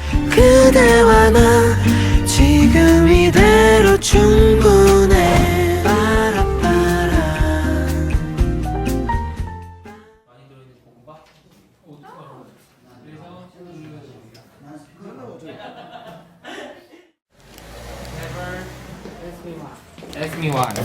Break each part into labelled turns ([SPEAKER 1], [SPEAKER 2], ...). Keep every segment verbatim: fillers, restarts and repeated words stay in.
[SPEAKER 1] 그대와 나 지금 이대로 충분해. 빠라빠라.
[SPEAKER 2] Ask me why.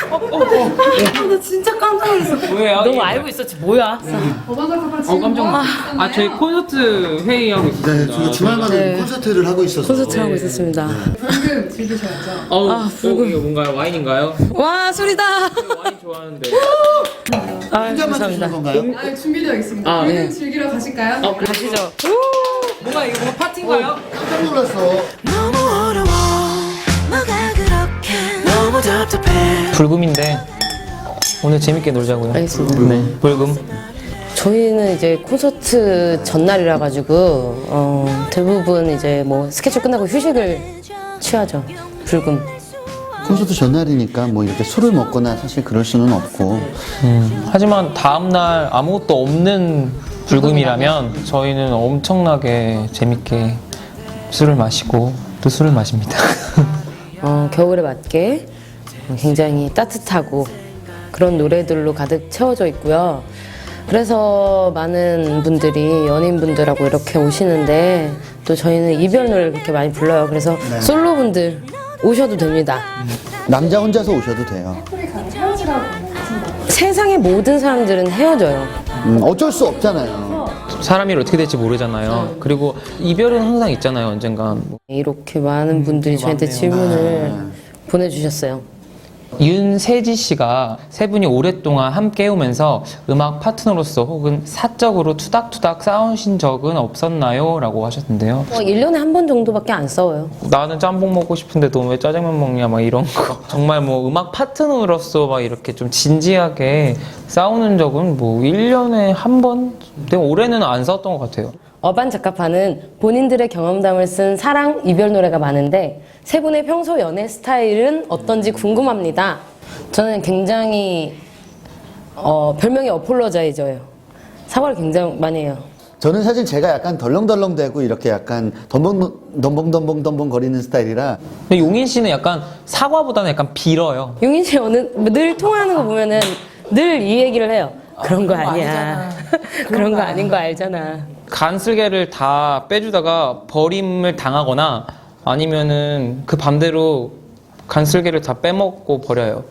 [SPEAKER 3] 나 진짜 깜짝 놀랐어.
[SPEAKER 2] 뭐예요?
[SPEAKER 3] 너무
[SPEAKER 2] 이게
[SPEAKER 3] 알고 있었지. 뭐야?
[SPEAKER 2] 어 깜짝 놀랐어. 아 저희 콘서트 회의하고 있습니다.
[SPEAKER 4] 네, 저희가 주말마다
[SPEAKER 3] 네.
[SPEAKER 4] 콘서트를 하고 있어서
[SPEAKER 3] 콘서트 하고 있었습니다.
[SPEAKER 5] 방금 즐기셔야죠.
[SPEAKER 2] 어,
[SPEAKER 3] 아,
[SPEAKER 2] 어,
[SPEAKER 3] 불금.
[SPEAKER 2] 이거 뭔가요? 와인인가요?
[SPEAKER 3] 와, 술이다.
[SPEAKER 2] 제가 와인 좋아하는데.
[SPEAKER 3] 아,
[SPEAKER 4] 혼자만
[SPEAKER 3] 감사합니다.
[SPEAKER 4] 드시는 건가요?
[SPEAKER 5] 아, 준비되어 있습니다.
[SPEAKER 2] 아,
[SPEAKER 5] 방금
[SPEAKER 2] 네.
[SPEAKER 5] 즐기러 가실까요?
[SPEAKER 2] 어,
[SPEAKER 3] 가시죠.
[SPEAKER 2] 뭔가 이거 뭔가 파티인가요?
[SPEAKER 4] 깜짝 놀랐어.
[SPEAKER 1] 너무 어려워. 뭐가 그렇게 너무 답답해.
[SPEAKER 2] 불금인데 오늘 재밌게 놀자고요.
[SPEAKER 3] 알겠습니다.
[SPEAKER 2] 네. 불금.
[SPEAKER 3] 저희는 이제 콘서트 전날이라 가지고 어, 대부분 이제 뭐 스케줄 끝나고 휴식을 취하죠. 불금.
[SPEAKER 4] 콘서트 전날이니까 뭐 이렇게 술을 먹거나 사실 그럴 수는 없고.
[SPEAKER 2] 음, 하지만 다음날 아무것도 없는 불금이라면 저희는 엄청나게 재밌게 술을 마시고 또 술을 마십니다.
[SPEAKER 3] 어, 겨울에 맞게 굉장히 따뜻하고 그런 노래들로 가득 채워져 있고요. 그래서 많은 분들이 연인분들하고 이렇게 오시는데 또 저희는 이별 노래를 그렇게 많이 불러요. 그래서
[SPEAKER 4] 네.
[SPEAKER 3] 솔로분들 오셔도 됩니다.
[SPEAKER 4] 남자 혼자서 오셔도 돼요.
[SPEAKER 5] 커플이 가는 헤어지라고 하신다고요.
[SPEAKER 3] 세상의 모든 사람들은 헤어져요.
[SPEAKER 4] 음, 어쩔 수 없잖아요.
[SPEAKER 2] 사람이 어떻게 될지 모르잖아요. 그리고 이별은 항상 있잖아요, 언젠간.
[SPEAKER 3] 이렇게 많은 분들이 저한테 질문을 보내주셨어요.
[SPEAKER 2] 윤세지 씨가 세 분이 오랫동안 함께 해오면서 음악 파트너로서 혹은 사적으로 투닥투닥 싸우신 적은 없었나요? 라고 하셨는데요.
[SPEAKER 3] 어, 일 년에 한 번 정도밖에 안 싸워요.
[SPEAKER 2] 나는 짬뽕 먹고 싶은데 너 왜 짜장면 먹냐 막 이런 거. 정말 뭐 음악 파트너로서 막 이렇게 좀 진지하게 싸우는 적은 뭐 일 년에 한 번? 근데 올해는 안 싸웠던 것 같아요.
[SPEAKER 3] 어반자카파는 본인들의 경험담을 쓴 사랑, 이별 노래가 많은데 세 분의 평소 연애 스타일은 어떤지 궁금합니다. 저는 굉장히 어, 별명이 어폴로자이저예요. 사과를 굉장히 많이 해요.
[SPEAKER 4] 저는 사실 제가 약간 덜렁덜렁대고 이렇게 약간 덤벙 덤벙 덤벙 거리는 스타일이라.
[SPEAKER 2] 근데 용인 씨는 약간 사과보다는 약간 빌어요.
[SPEAKER 3] 용인 씨 어느 늘 통화하는 거 보면은 늘 이 얘기를 해요. 그런 거 아니야. 그런 거 아닌 거 알잖아.
[SPEAKER 2] 간슬개를 다 빼주다가 버림을 당하거나 아니면은 그 반대로 간슬개를 다 빼먹고 버려요.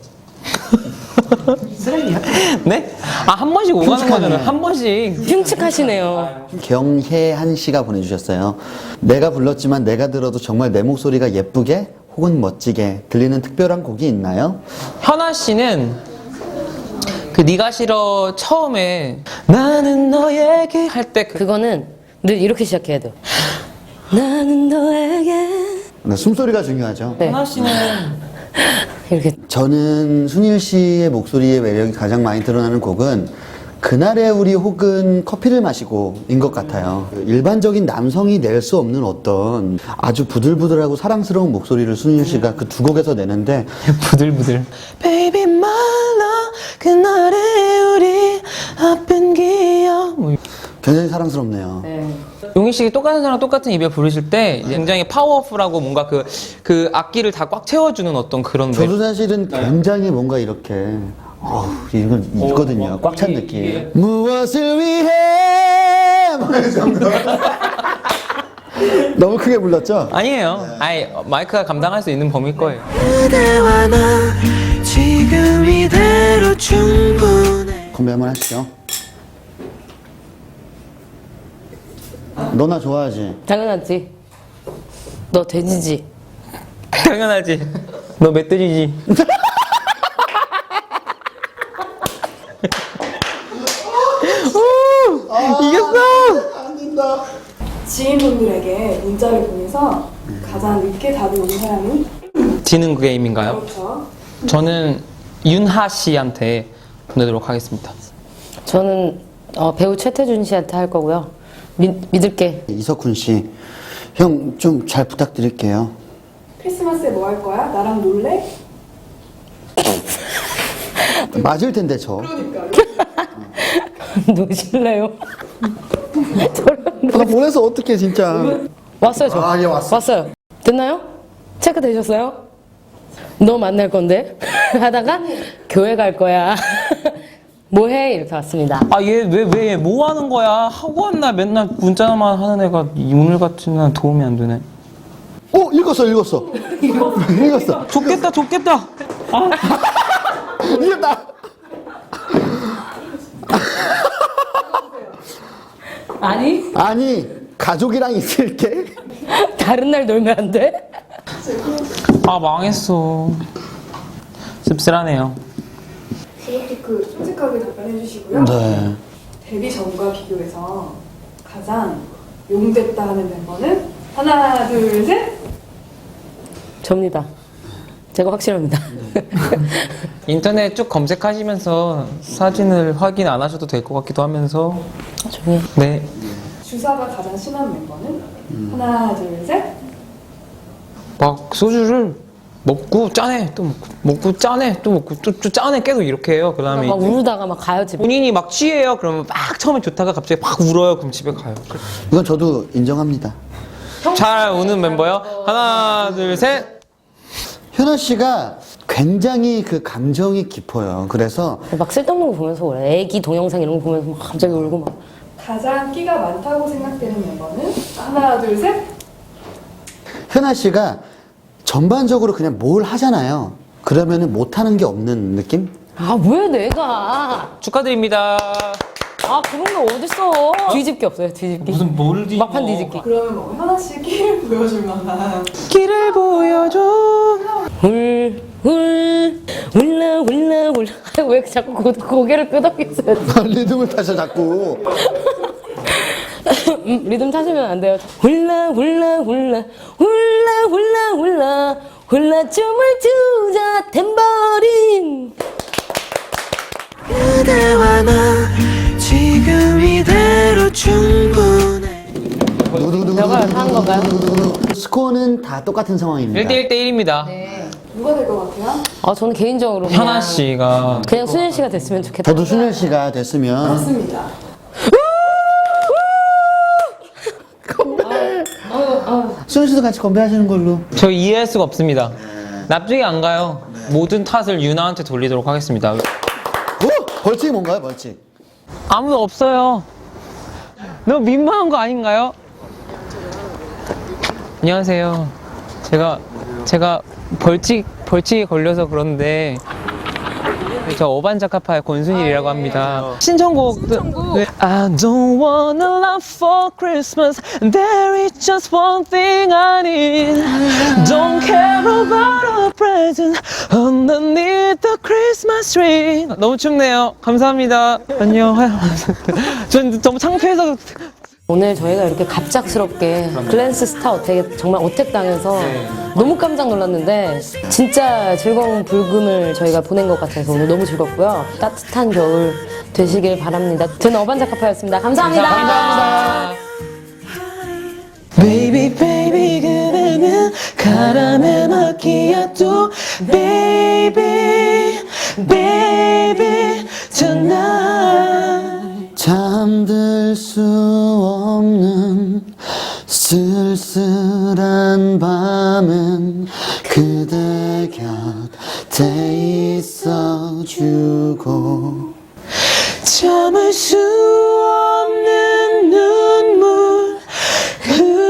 [SPEAKER 4] 쓰레기야?
[SPEAKER 2] 네? 아, 한 번씩 오가는
[SPEAKER 4] 흉측하네.
[SPEAKER 2] 거잖아요. 한 번씩.
[SPEAKER 3] 흉측하시네요.
[SPEAKER 4] 경혜한 씨가 보내주셨어요. 내가 불렀지만 내가 들어도 정말 내 목소리가 예쁘게 혹은 멋지게 들리는 특별한 곡이 있나요?
[SPEAKER 2] 현아 씨는 그 네가 싫어 처음에 나는 너에게 할 때 그
[SPEAKER 3] 그거는 늘 이렇게 시작해야 돼요. 나는 너에게
[SPEAKER 4] 네, 숨소리가 중요하죠.
[SPEAKER 3] 네.
[SPEAKER 2] 현아 씨는
[SPEAKER 3] 이렇게
[SPEAKER 4] 저는 순일 씨의 목소리의 매력이 가장 많이 드러나는 곡은 그날의 우리 혹은 커피를 마시고인 것 같아요. 일반적인 남성이 낼 수 없는 어떤 아주 부들부들하고 사랑스러운 목소리를 순일 씨가 그 두 곡에서 내는데
[SPEAKER 2] 부들부들 Baby my love 그날의 우리 아픈 기억 뭐.
[SPEAKER 4] 굉장히 사랑스럽네요.
[SPEAKER 2] 용희 씨가 똑같은 사람 똑같은 이별 부르실 때 굉장히 파워풀하고 뭔가 그, 그 악기를 다 꽉 채워주는 어떤 그런
[SPEAKER 4] 저도 사실은 굉장히 뭔가 이렇게 어우, 이건 있거든요. 꽉 찬 느낌. 무엇을 위해 너무 크게 불렀죠?
[SPEAKER 2] 아니에요. 아니 마이크가 감당할 수 있는 범위일 거예요.
[SPEAKER 1] 그대와 나 지금 이대로 충분해.
[SPEAKER 4] 건배 한번 하시죠. 너 나 좋아하지?
[SPEAKER 3] 당연하지. 너 돼지지.
[SPEAKER 2] 당연하지. 너 멧돼지지. 이겼어!
[SPEAKER 4] 안 된다.
[SPEAKER 5] 지인분들에게 문자를 보내서 가장 늦게 답이 오는 사람이
[SPEAKER 2] 지는 게임인가요?
[SPEAKER 5] 그렇죠.
[SPEAKER 2] 저는 윤하 씨한테 보내도록 하겠습니다.
[SPEAKER 3] 저는 어, 배우 최태준 씨한테 할 거고요. 믿, 믿을게.
[SPEAKER 4] 이석훈 씨, 형 좀 잘 부탁드릴게요.
[SPEAKER 5] 크리스마스에 뭐 할 거야? 나랑 놀래?
[SPEAKER 4] 맞을 텐데 저.
[SPEAKER 3] 노실래요?
[SPEAKER 4] 나 보내서 어떡해 진짜.
[SPEAKER 3] 왔어요, 저.
[SPEAKER 4] 아, 예, 왔어.
[SPEAKER 3] 왔어요. 됐나요? 체크 되셨어요? 너 만날 건데? 하다가 교회 갈 거야. 뭐해? 이렇게 왔습니다.
[SPEAKER 2] 아, 얘 왜 왜 뭐 하는 거야? 하고 왔나? 맨날 문자만 하는 애가 오늘 같은 날 도움이 안 되네.
[SPEAKER 4] 어, 읽었어, 읽었어. 읽었어.
[SPEAKER 2] 좋겠다, 좋겠다.
[SPEAKER 4] 읽었다.
[SPEAKER 3] 아니,
[SPEAKER 4] 아니, 가족이랑 있을게.
[SPEAKER 3] 다른 날 놀면 안 돼?
[SPEAKER 2] 아, 망했어. 씁쓸하네요.
[SPEAKER 5] 이렇게 그 솔직하게 답변해 주시고요.
[SPEAKER 4] 네.
[SPEAKER 5] 데뷔 전과 비교해서 가장 용됐다 하는 멤버는 하나, 둘, 셋.
[SPEAKER 3] 접니다. 제가 확실합니다.
[SPEAKER 2] 인터넷 쭉 검색하시면서 사진을 확인 안 하셔도 될 것 같기도 하면서.
[SPEAKER 3] 조용히.
[SPEAKER 2] 네.
[SPEAKER 5] 주사가 가장 심한 멤버는 하나, 둘, 셋.
[SPEAKER 2] 막 소주를 먹고 짜네, 또 먹고, 먹고 짜네, 또 먹고, 또, 또 짜네, 계속 이렇게 해요. 그 다음에
[SPEAKER 3] 막 우르다가 막 가요, 집에.
[SPEAKER 2] 본인이 막 취해요. 그러면 막 처음에 좋다가 갑자기 막 울어요. 그럼 집에 가요.
[SPEAKER 4] 이건 저도 인정합니다.
[SPEAKER 2] 잘 우는 멤버요. 하나, 둘, 셋.
[SPEAKER 4] 현아 씨가 굉장히 그 감정이 깊어요. 그래서
[SPEAKER 3] 막 쓸데없는 거 보면서 그래. 애기 동영상 이런 거 보면서 막 갑자기 울고 막.
[SPEAKER 5] 가장 끼가 많다고 생각되는 멤버는 하나, 둘, 셋.
[SPEAKER 4] 현아 씨가 전반적으로 그냥 뭘 하잖아요. 그러면은 못하는 게 없는 느낌?
[SPEAKER 3] 아, 왜 내가?
[SPEAKER 2] 축하드립니다.
[SPEAKER 3] 아, 그런 게 어딨어. 뒤집기 없어요, 뒤집기.
[SPEAKER 2] 무슨 뭘 뒤집어.
[SPEAKER 3] 막판 뒤집기.
[SPEAKER 5] 그러면 뭐 현아 씨 끼를 보여줄 만한
[SPEAKER 2] 길을 보여줘.
[SPEAKER 3] 울, 울, 울라, 울라, 울라. 왜 자꾸 고, 고개를 끄덕이세요?
[SPEAKER 4] 리듬을 타서 자꾸.
[SPEAKER 3] 음, 리듬 타시면 안 돼요. 훌라 훌라 훌라 훌라 훌라 훌라 훌라 춤을 추자 탬버린.
[SPEAKER 1] 그대와 나 지금 이대로 충분해.
[SPEAKER 3] 저걸 한 건가요?
[SPEAKER 4] 스코어는 다 똑같은 상황입니다.
[SPEAKER 2] 일 대 일 대 일입니다.
[SPEAKER 5] 누가 될 것 같아요?
[SPEAKER 3] 아, 저는 개인적으로 그냥,
[SPEAKER 2] 현아 씨가
[SPEAKER 3] 그냥 수현 씨가 됐으면 좋겠다.
[SPEAKER 4] 저도 순열 씨가 됐으면
[SPEAKER 5] 맞습니다.
[SPEAKER 4] 순열 씨도 같이 건배하시는 걸로.
[SPEAKER 2] 저 이해할 수가 없습니다. 납득이 안 가요. 모든 탓을 유나한테 돌리도록 하겠습니다.
[SPEAKER 4] 오! 벌칙이 뭔가요, 벌칙?
[SPEAKER 2] 아무도 없어요. 너무 민망한 거 아닌가요? 안녕하세요. 제가 제가 벌칙 벌칙에 걸려서 그런데 저 어반자카파의 권순일이라고 합니다. 신청곡. 네. I don't wanna love for Christmas. There is just one thing I need. Don't care about a present underneath the Christmas tree. 너무 춥네요. 감사합니다. 안녕. 전 너무 창피해서.
[SPEAKER 3] 오늘 저희가 이렇게 갑작스럽게 글랜스 스타 어택에 정말 어택당해서 너무 깜짝 놀랐는데 진짜 즐거운 불금을 저희가 보낸 것 같아서 오늘 너무 즐겁고요. 따뜻한 겨울 되시길 바랍니다. 저는 어반자카파였습니다. 감사합니다.
[SPEAKER 2] 감사합니다.
[SPEAKER 1] Baby baby 그대는 카라멜 마키아토 Baby baby tonight.
[SPEAKER 4] 잠들 수 없는 쓸쓸한 밤은 그대 곁에 있어주고
[SPEAKER 1] 참을 수 없는 눈물